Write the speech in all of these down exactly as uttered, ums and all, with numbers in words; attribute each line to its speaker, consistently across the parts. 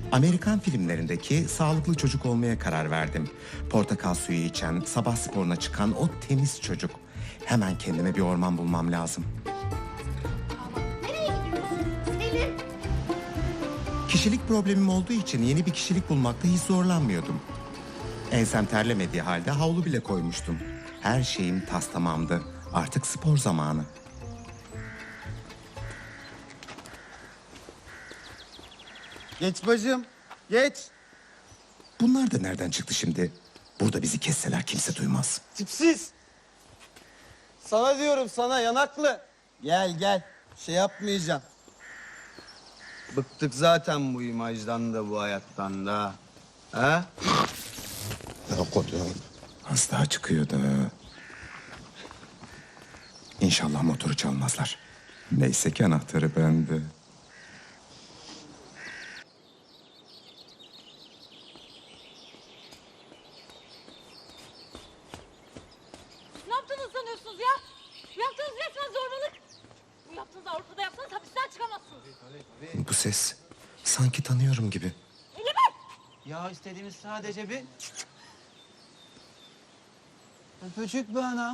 Speaker 1: Amerikan filmlerindeki sağlıklı çocuk olmaya karar verdim. Portakal suyu içen, sabah sporuna çıkan o temiz çocuk. Hemen kendime bir orman bulmam lazım.
Speaker 2: Nereye gidiyorsun? Selim.
Speaker 1: Kişilik problemim olduğu için yeni bir kişilik bulmakta hiç zorlanmıyordum. Ensem terlemediği halde havlu bile koymuştum. Her şeyim tas tamamdı. Artık spor zamanı.
Speaker 3: Geç bacım, geç.
Speaker 1: Bunlar da nereden çıktı şimdi? Burada bizi kesseler kimse duymaz.
Speaker 3: Tipsiz. Sana diyorum sana yanaklı. Gel gel, şey yapmayacağım. Bıktık zaten bu imajdan da bu hayattan da. Ha?
Speaker 1: Az daha çıkıyordu. İnşallah motoru çalmazlar. Neyse ki anahtarı bende.
Speaker 4: Ne yaptığınızı sanıyorsunuz ya? Bu yaptığınız resmen zorbalık. Bu yaptığınızı Avrupa'da yapsanız hapisten çıkamazsınız.
Speaker 1: Bu ses sanki tanıyorum gibi.
Speaker 3: Ya istediğimiz sadece bir... Öpücük be anam.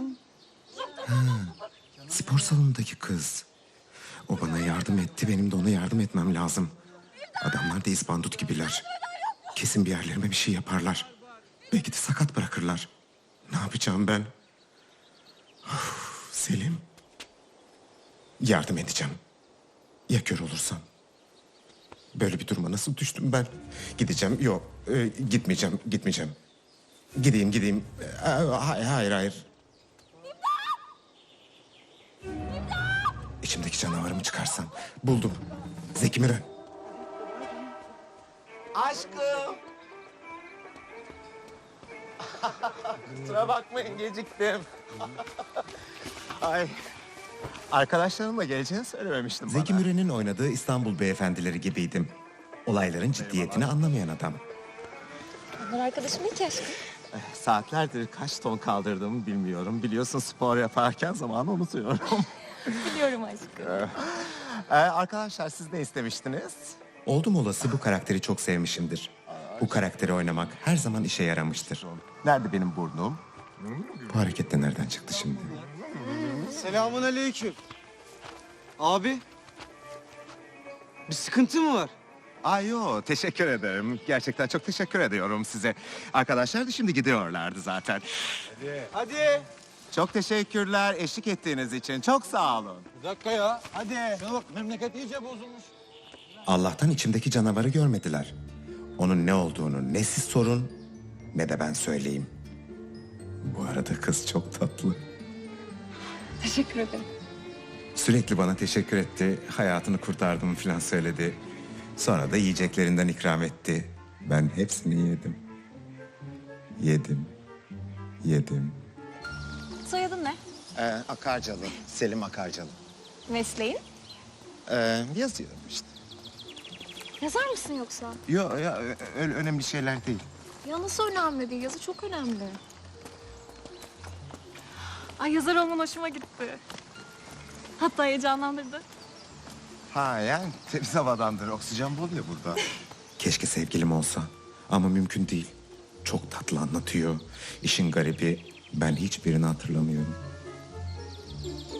Speaker 1: Spor salonundaki kız. O bana yardım etti, benim de ona yardım etmem lazım. Adamlar da izbandut gibiler. Kesin bir yerlerime bir şey yaparlar. Belki de sakat bırakırlar. Ne yapacağım ben? Of, Selim. Yardım edeceğim. Ya kör olursam? Böyle bir duruma nasıl düştüm ben? Gideceğim. Yok, e, gitmeyeceğim, gitmeyeceğim. Gideyim, gideyim. E, hayır, hayır, hayır. İçimdeki canavarımı çıkarsam. Buldum. Zeki Müren.
Speaker 3: Aşkım. Kusura bakmayın geciktim. Ay. Arkadaşlarımla geleceğini söylememiştim
Speaker 1: Zeki
Speaker 3: bana.
Speaker 1: Müren'in oynadığı İstanbul Beyefendileri gibiydim. Olayların ciddiyetini anlamayan adam.
Speaker 4: Onlar arkadaşım değil ki aşkım.
Speaker 3: Saatlerdir kaç ton kaldırdığımı bilmiyorum. Biliyorsun spor yaparken zamanı unutuyorum.
Speaker 4: Biliyorum aşkım.
Speaker 3: ee, arkadaşlar siz ne istemiştiniz?
Speaker 1: Oldum olası bu karakteri çok sevmişimdir. Bu karakteri oynamak her zaman işe yaramıştır.
Speaker 3: Nerede benim burnum?
Speaker 1: Bu hareket de nereden çıktı şimdi?
Speaker 3: Selamun aleyküm. Abi. Bir sıkıntı mı var?
Speaker 5: Ay yo, teşekkür ederim. Gerçekten çok teşekkür ediyorum size. Arkadaşlar da şimdi gidiyorlardı zaten.
Speaker 3: Hadi.
Speaker 5: Çok teşekkürler eşlik ettiğiniz için. Çok sağ olun.
Speaker 3: Bir dakika ya. Hadi. Şuna bak memleket iyice bozulmuş.
Speaker 1: Allah'tan içimdeki canavarı görmediler. Onun ne olduğunu ne siz sorun ne de ben söyleyeyim. Bu arada kız çok tatlı.
Speaker 4: Teşekkür ederim.
Speaker 1: Sürekli bana teşekkür etti. Hayatını kurtardım falan söyledi. Sonra da yiyeceklerinden ikram etti. Ben hepsini yedim. Yedim. Yedim.
Speaker 4: Soyadın ne?
Speaker 5: Ee, Akarcalı, Selim Akarcalı.
Speaker 4: Mesleğin?
Speaker 5: Ee, yazıyorum işte.
Speaker 4: Yazar mısın yoksa?
Speaker 5: Yo, ya, öyle önemli şeyler değil.
Speaker 4: Ya nasıl önemli değil? Yazı çok önemli. Ay yazar olman hoşuma gitti. Hatta heyecanlandırdı.
Speaker 5: Ha yani temiz havadandır. Oksijen bol ya burada.
Speaker 1: Keşke sevgilim olsa. Ama mümkün değil. Çok tatlı anlatıyor. İşin garibi ben hiçbirini hatırlamıyorum.